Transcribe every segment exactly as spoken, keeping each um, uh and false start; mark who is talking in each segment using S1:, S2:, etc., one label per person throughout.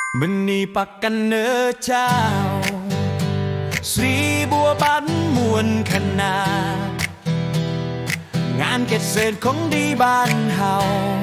S1: บันนี้ปักกันเนอเจ้าสีบัวบันมวนขนาดงานเกษตรของดีบ้านเฮา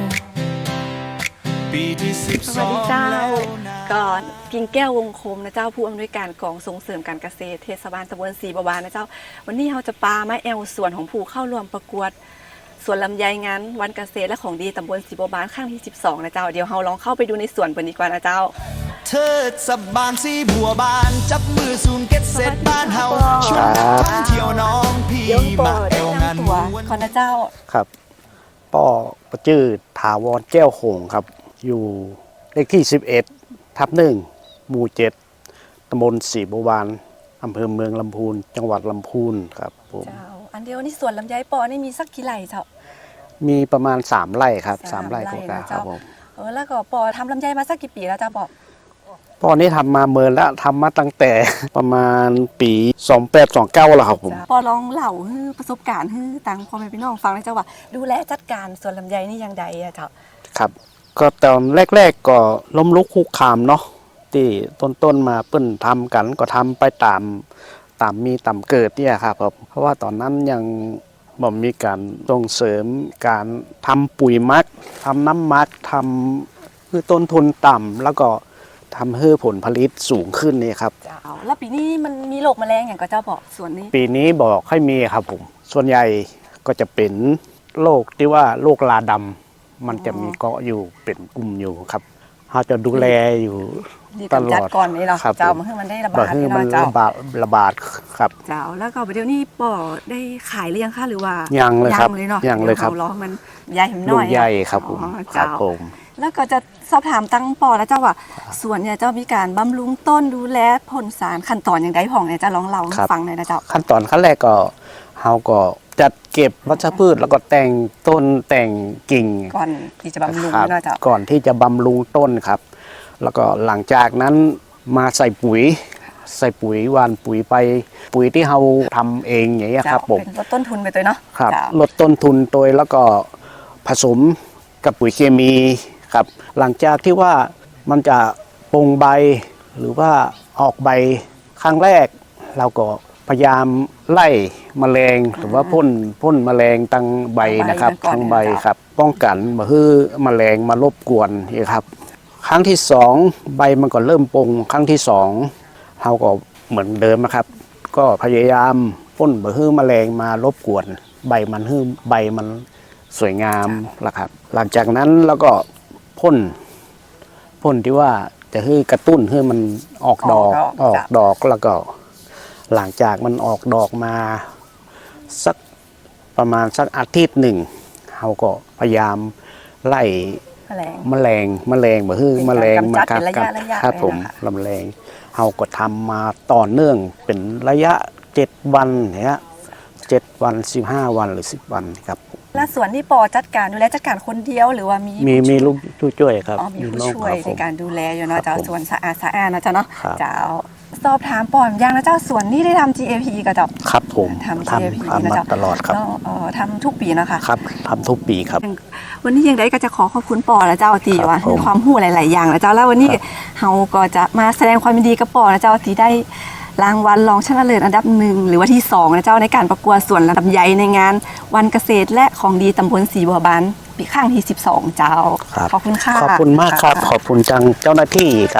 S1: ปีที่สิบสองแล้ว
S2: ก่อนกิ่งแก้ววงคมนะเจ้าผู้อำนวยการกองส่งเสริมการเกษตรเทศบาลตำบลศรีบัวบานนะเจ้าวันนี้เราจะปาไม้แอลส่วนของผู้เข้าร่วมประกวดสวนลำไยงานวันเกษตรและของดีตำบลศรีบัวบานข้างที่สิบสองนะเจ้าเดี๋ยวเราลองเข้าไปดูในสวนกันดีกว่านะเจ้า
S1: เทิดสบานสีบัวบานจับมือศูนย์เกษตรบ้านเฮาชวนท่องเที่ยวน้องพี่มาแอวงานม้วน
S2: ขอนะเจ้า
S3: ครับป่อประจื้อถาวรแก้วโขงครับอยู่เลขที่สิบเอ็ดทับหนึ่งหมู่เจ็ดตำบลศรีบัวบานอำเภอเมืองลำพูนจังหวัดลำพูนครับผม
S2: เจ้าอันเดียวนี่สวนลำไยปอนี่มีสักกี่ไร่เจ้า
S3: มีประมาณสามไร่ครับสามไร่กว่าครับผม
S2: เออแล้วก็ปอทำลำไยมาสักกี่ปีแล้วเจ้าปอ
S3: ปอนี่ทำมาเมินแล้วทำมาตั้งแต่ประมาณปีสองแปดสองเก้าแล้วครับผม
S2: ปอลองเล่าประสบการณ์ให้ตังพ่อแม่พี่น้องฟังเลยเจ้าว่าดูแลจัดการสวนลำไยนี่ยังไงอะเจ้า
S3: ครับก็ตอนแรกๆก็ล้มลุกคุกคามเนาะที่ต้นๆมาเปิ้นทำกันก็ทำไปตามตามมีตามเกิดเนี่ยครับเพราะว่าตอนนั้นยังบ่มีการส่งเสริมการทำปุ๋ยมักทำน้ำมักทำคือต้นทุนต่ำแล้วก็ทำให้ผลผลิตสูงขึ้นนี่ครับ
S2: เจ้าแล้วปีนี้มันมีโรคแมลงอย่างก็เจ้าบอกส่วนนี้
S3: ปีนี้บอกให้มีครับผมส่วนใหญ่ก็จะเป็นโรคที่ว่าโรคลาดำมันจะมีเกาะอยู่เป็นกลุ่มอยู่ครับเราจะดูแลอยู่ตลอด
S2: ก่อนนี้เนาะเจ้ามันให้มันได้ระบาดที่
S3: มันระบาดระบาดครับ
S2: เจ้าแล้วก็เดี๋ยวนี้ปอได้ขายหรือยังคะหรือว่า
S3: ยังเลยครับ
S2: ยังเลยครับล้อมันใหญ่หิมน้อย
S3: ใหญ่ครับผมครับผม
S2: แล้วก็จะสอบถามตั้งปอแล้วเจ้าว่าสวนเนี่ยเจ้ามีการบำรุงต้นดูแลพ่นสารขั้นตอนอย่างไรผ่องเนี่ยจะลองเล่าให้ฟังหน่อยนะเจ้า
S3: ขั้นตอนขั้นแรกก็เฮาก็จัดเก็บวัชพืชแล้วก็แต่งต้นแต่งกิ่ง
S2: ก่อนที่จะบำรุงนะเจ้า
S3: ก่อนที่จะบำรุงต้นครับแล้วก็หลังจากนั้นมาใส่ปุ๋ยใส่ปุ๋ยหว่านปุ๋ยไปปุ๋ยที่เราทำเองอย่างนี้ครับผม
S2: ลดต้นทุนไปตัวเนาะ
S3: ครับลดต้นทุนตัวแล้วก็ผสมกับปุ๋ยเคมีครับหลังจากที่ว่ามันจะปงใบหรือว่าออกใบครั้งแรกเราก็พยายามไล่แมลงหรือว่าพ่นพ่นแมลงตั้งใบนะครับทั้งใบครับป้องกันมาให้แมลงมารบกวนนี่ครับครั้งที่สองใบมันก็เริ่มปงครั้งที่สองเราก็เหมือนเดิมนะครับก็พยายามพ่นมาให้แมลงมารบกวนใบมันให้ใบมันสวยงามละครับหลังจากนั้นแล้วก็พ่นพ่นที่ว่าจะให้กระตุ้นให้มันออกดอกออกดอกแล้วก็หลังจากมันออกดอกมาสักประมาณสักอาทิตย์หนึ่งเราก็พยายามไล่แมลงแมลงบ่ฮื้อแมลงมาครับครับผมลำแรงเราก็ทำมาต่อเนื่องเป็นระยะเจ็ดวันเนี่ยเจ็ดวันสิบห้าวันหรือสิบวันครับ
S2: แล้วส่วนที่ปอจัดการดูแลจัดการคนเดียวหรือว่ามี
S3: มีมีลูกผู้ช่วยครับ
S2: มีผู้ช่วยในการดูแลอยู่เนาะเจ้าสวนสะอาดสะอาดนะเจ้าเนาะเจ้าสอบถามปอมยังนะเจ้าสวนนี่ได้ทำ จี เอ พี กับเจ้า
S3: ครับผม
S2: ทำ จี เอ พี นะเจ้า
S3: ตลอดครับ
S2: ทำทุกปีนะคะ
S3: ครับทำทุกปีครับ
S2: วันนี้ยังได้ก็จะขอขอบคุณปอและเจ้าตีว่าให้ความรู้หลายๆอย่างนะเจ้าแล้ววันนี้เราก็จะมาแสดงความยินดีกับปอและเจ้าตีได้รางวัลรองชนะเลิศอันดับหนึ่งหรือว่าที่สองนะเจ้าในการประกวดสวนลำไยในงานวันเกษตรและของดีตำบลศรีบัวบานปีข้างที่สิบสองเจ้าขอบคุณค่ะ
S3: ขอบคุณมากครับขอบคุณจังเจ้าหน้าที่ครับ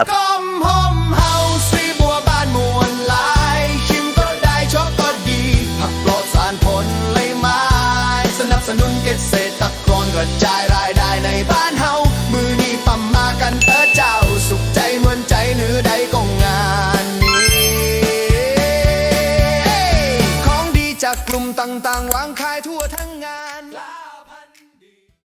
S1: สนุนเกษตรกรกระจายรายได้ในบ้านเฮามือนี้ปั๊มมากันเตอเจ้าสุขใจเหมือนใจเหนือใดก็งานนี้ของดีจากกลุ่มต่างๆวางขายทั่วทั้งงาน